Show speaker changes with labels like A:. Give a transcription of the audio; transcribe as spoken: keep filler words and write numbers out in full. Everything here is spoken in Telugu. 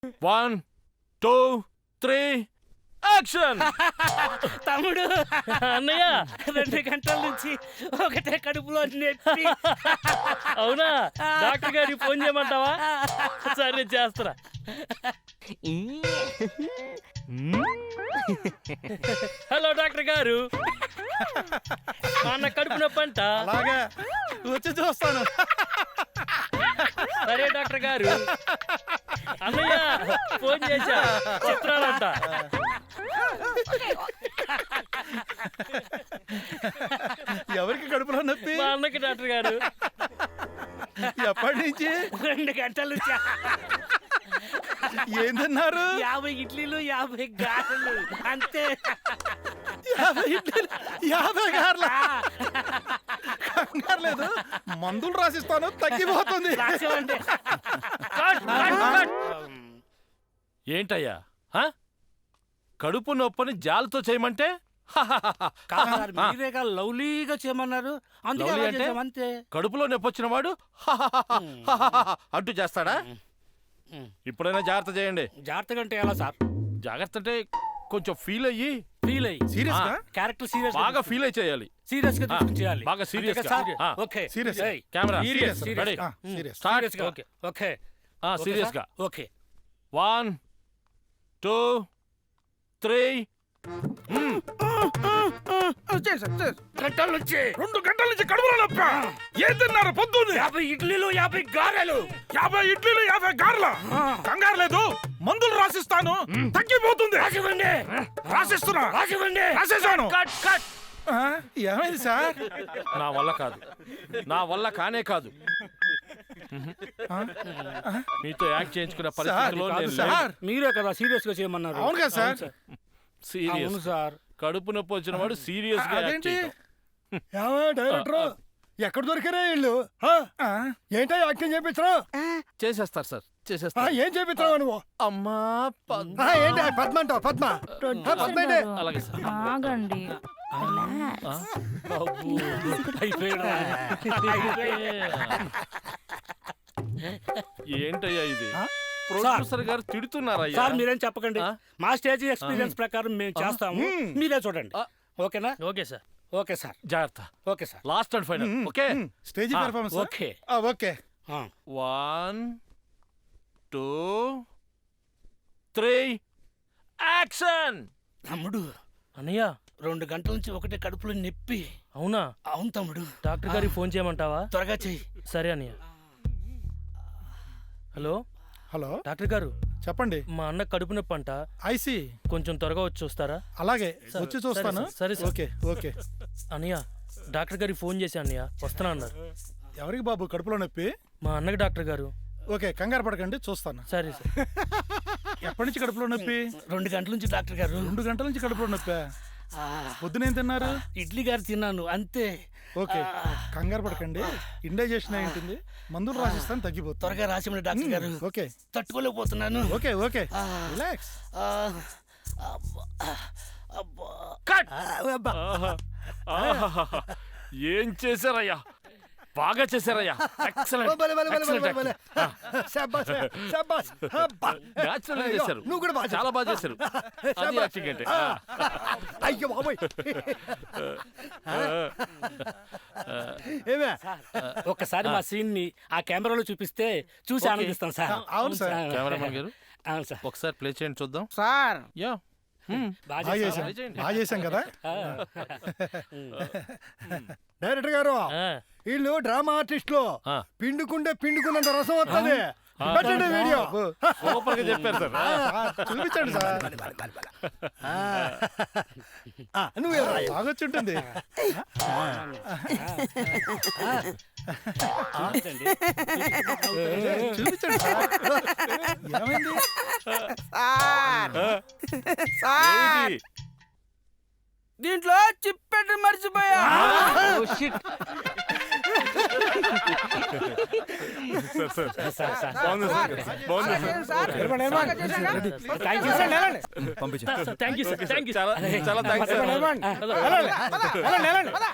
A: One two three action.
B: తమ్ముడు
C: అన్నయ్య
B: రెండు గంటల నుంచి ఒకటే కడుపులో నొప్పి.
C: అవునా? డాక్టర్ గారికి ఫోన్ చేయమంటావా? సరే చేస్తారా. హలో డాక్టర్ గారు, మా అన్న కడుపు నొప్పి అంట.
D: అలాగే వచ్చి చూస్తాను.
C: సరే డాక్టర్ గారు. అన్నయ్య ఫోన్ చేశా, చిత్రాలంట.
D: ఎవరికి కడుపులో నొప్పి?
C: మా అన్నకి డాక్టర్ గారు.
D: ఎప్పటి నుంచి?
B: రెండు గంటల నుంచి
D: ఏం తిన్నారు?
B: యాభై ఇడ్లీలు యాభై గారెలు అంతే.
D: యాభై ఇడ్లీలు యాభై గార్ల. కంగారు లేదు, మందులు రాసిస్తాను, తగ్గిపోతుంది.
B: రాసేవండి.
C: Cut, cut, cut.
A: ఏంటయ్యా హ? కడుపు నొప్పని జాలతో చేయమంటే
B: కాదు సార్, మీరేగా లవ్లీగా చేయమన్నారు, అందుకే
A: లవ్లీ
B: అలా
A: అంటే?
B: చేసాం అంతే.
A: కడుపులో నొప్పి వచ్చిన వాడు అంటూ చేస్తాడా? ఇప్పుడైనా జాగ్రత్త చేయండి.
B: జాగ్రత్తగా అంటే ఎలా సార్?
A: జాగ్రత్త అంటే కొంచెం ఫీల్ అయ్యి
B: ఫీల్ అయ్యి
D: సీరియస్ గా?
B: క్యారెక్టర్ సీరియస్
A: బాగా ఫీల్ అయి చేయాలి.
B: సీరియస్ గా
A: ఆ,
B: తీసుకుని చేయాలి.
A: బాగా serious
B: అంతేగా
A: గా.
B: సార్?
A: ఆ.
B: Okay
D: Serious.
B: ఏయ్,
A: camera
B: serious,
A: serious
B: serious.
A: Ready
D: ఆ, సీరియస్.
A: స్టార్ట్.
B: serious గా. ఓకే ఓకే ఓకే
A: సీరియస్ గా.
B: Sir? Okay
A: one two three.
B: గంటల నుంచి
E: రెండు గంటల నుంచి కడుపులో నొప్పి. ఏం తిన్నారు పొద్దున్నే?
B: యాభై ఇడ్లీలు యాభై గారెలు.
E: యాభై ఇడ్లీలు యాభై గార్ల. కంగారు లేదు, మందులు రాసిస్తాను, తగ్గిపోతుంది.
B: రాసివ్వండి
E: రాసిస్తున్నా,
B: రాసివ్వండి.
E: రాసేసాను.
A: Cut cut.
D: ఆ, ఏమైంది సార్?
A: నా వల్ల కాదు, నా వల్ల కానే కాదు. మీతో యాక్ట్ చేయించుకునే పరిస్థితిలో
D: కాదు
A: నేను
D: సార్.
B: మీరే కదా సీరియస్ గా చేయమన్నారు.
D: అవును కదా సార్?
A: సీరియస్.
B: అవును సార్.
A: కడుపు నొప్పి వచ్చిన వాడు సీరియస్ గా యాక్ట్
D: అదేంటి?
A: చేయటం.
F: డైరెక్టర్ ఎక్కడ దొరికారే ఇల్లు?
D: ఆ,
F: ఏంటో యాక్టింగ్ చేపించరా?
A: చేసేస్తారు సార్, చేసేస్తారు.
F: ఏం చేపించరావు నువ్వు?
A: అమ్మా పద్మ.
F: ఆ, ఏంటి పద్మ అంటావు? పద్మ ఆ, పద్మ ఏంటి?
A: అలాగే సార్.
G: ఆగండి.
B: అయిపోయాడు.
A: ఏంటయ్యా ఇది?
D: ఆ?
A: ప్రొడ్యూసర్ గారు తిడుతున్నారయ్యా.
B: సార్ మీరేం చెప్పకండి,
A: ఆ?
B: మా స్టేజ్ ఎక్స్పీరియన్స్ ప్రకారం మేము చేస్తాము, మీరే చూడండి.
A: ఆ.
B: ఓకేనా?
C: Okay sir.
B: Okay sir.
A: జాగ్రత్త.
B: Okay sir.
A: Last and final. Okay.
D: Stage
A: ఆ,
D: పెర్ఫార్మెన్స్.
B: ఓకే.
D: ఓకే.
B: ఆ.
A: One two three action.
B: తమ్ముడు
C: అన్నయ్య
B: రెండు గంటల నుంచి ఒకటే కడుపులో నొప్పి.
C: అవునా?
B: అవును తమ్ముడు.
C: డాక్టర్ గారికి ఫోన్ చేయమంటావా?
B: త్వరగా చెయ్యి.
C: సరే అన్నయ్య. హలో
D: హలో,
C: డాక్టర్ గారు,
D: చెప్పండి.
C: మా అన్న కడుపు నొప్పి అంట,
D: ఐసి.
C: కొంచెం త్వరగా వచ్చి చూస్తారా?
D: అలాగే
C: సరే,
D: వచ్చి చూస్తాను.
C: సరే, సరే, సరే.
D: Okay okay.
C: అన్నయ్య డాక్టర్ గారికి ఫోన్ చేసి అన్నయ్య వస్తున్నా అన్నారు.
D: ఎవరికి బాబు కడుపులో నొప్పి?
C: మా అన్నకి డాక్టర్ గారు.
D: ఓకే, కంగారు పడకండి, చూస్తాను.
C: సరే సార్.
D: ఎప్పటి నుంచి కడుపులో నొప్పి?
B: రెండు గంటల నుంచి డాక్టర్ గారు.
D: రెండు గంటల నుంచి కడుపులో నొప్పి.
B: ఆ,
D: పొద్దున ఏం తిన్నారు?
B: ఇడ్లీ గారు తిన్నాను అంతే.
D: ఓకే, కంగారు పడకండి, ఇండైజెషన్ అయి ఉంటుంది, మందులు రాసిస్తాను, తగ్గిపోతుంది.
B: త్వరగా రాసిమని డాక్టర్ గారు.
D: ఓకే
B: తట్టుకోలేకపోతున్నాను.
D: ఓకే ఓకే,
B: ఆ.
D: రిలాక్స్.
B: ఆ, అబ్బా, అబ్బా.
A: కట్.
F: అబ్బా.
A: ఆహా, ఆహాహా. ఏం చేశారయ్యా, బాగా చేశారయ్యా.
F: ఓ,
A: ఎక్సలెంట్,
F: భలే, భలే, భలే,
A: ఎక్సలెంట్
F: భలే, భలే. శాబాష్, శాబాష్. అబ్బా.
A: న్యాచురల్ గా
F: అయ్యో,
A: చేశారు.
F: నువ్వు కూడా బాగా
A: చాలా బాగా చేశారు. అది
F: శాబాష్.
A: యాక్టింగ్ అంటే.
F: ఆ. అయ్యో బాబోయ్. ఏమే?
B: ఒక్కసారి మా సీన్ ని ఆ కెమెరాలో చూపిస్తే చూసి
A: ఓకే.
B: ఆనందిస్తాం సార్.
D: అవును సార్.
A: కెమెరామెన్ గారు
B: అవును సార్.
A: ఒకసారి ప్లే చేయండి చూద్దాం.
D: Sir
A: yeah.
B: బాగా
D: బాగా
B: చేశాం.
D: చేశాం,
A: చేయండి.
D: బాగా చేశాం కదా.
F: డైరెక్టర్ గారు,
C: ఆ,
F: వీళ్ళు డ్రామా ఆర్టిస్టులు.
A: ఆ.
F: పిండుకుంటే పిండుకున్నంత రసం వస్తుంది. పెట్టండి వీడియో.
A: సూపర్ గా చెప్పారు సార్.
D: సార్, చూపించండి సార్.
F: ఆ, నువ్వు వెళ్ళరా.
D: బాగొచ్చి ఉంటుంది.
B: చూపించండి.
D: చూపించండి సార్. ఏమైంది?
A: ఏమిటి?
B: దీంట్లో చిప్పెట్టి మర్చిపోయా.
A: Sir sir
B: sir, sir.
A: బాగుంది సార్, బాగుంది sir.
B: Thank you sir.
C: Sir, thank you sir, thank you.
A: చాలా చాలా థ్యాంక్స్ సార్.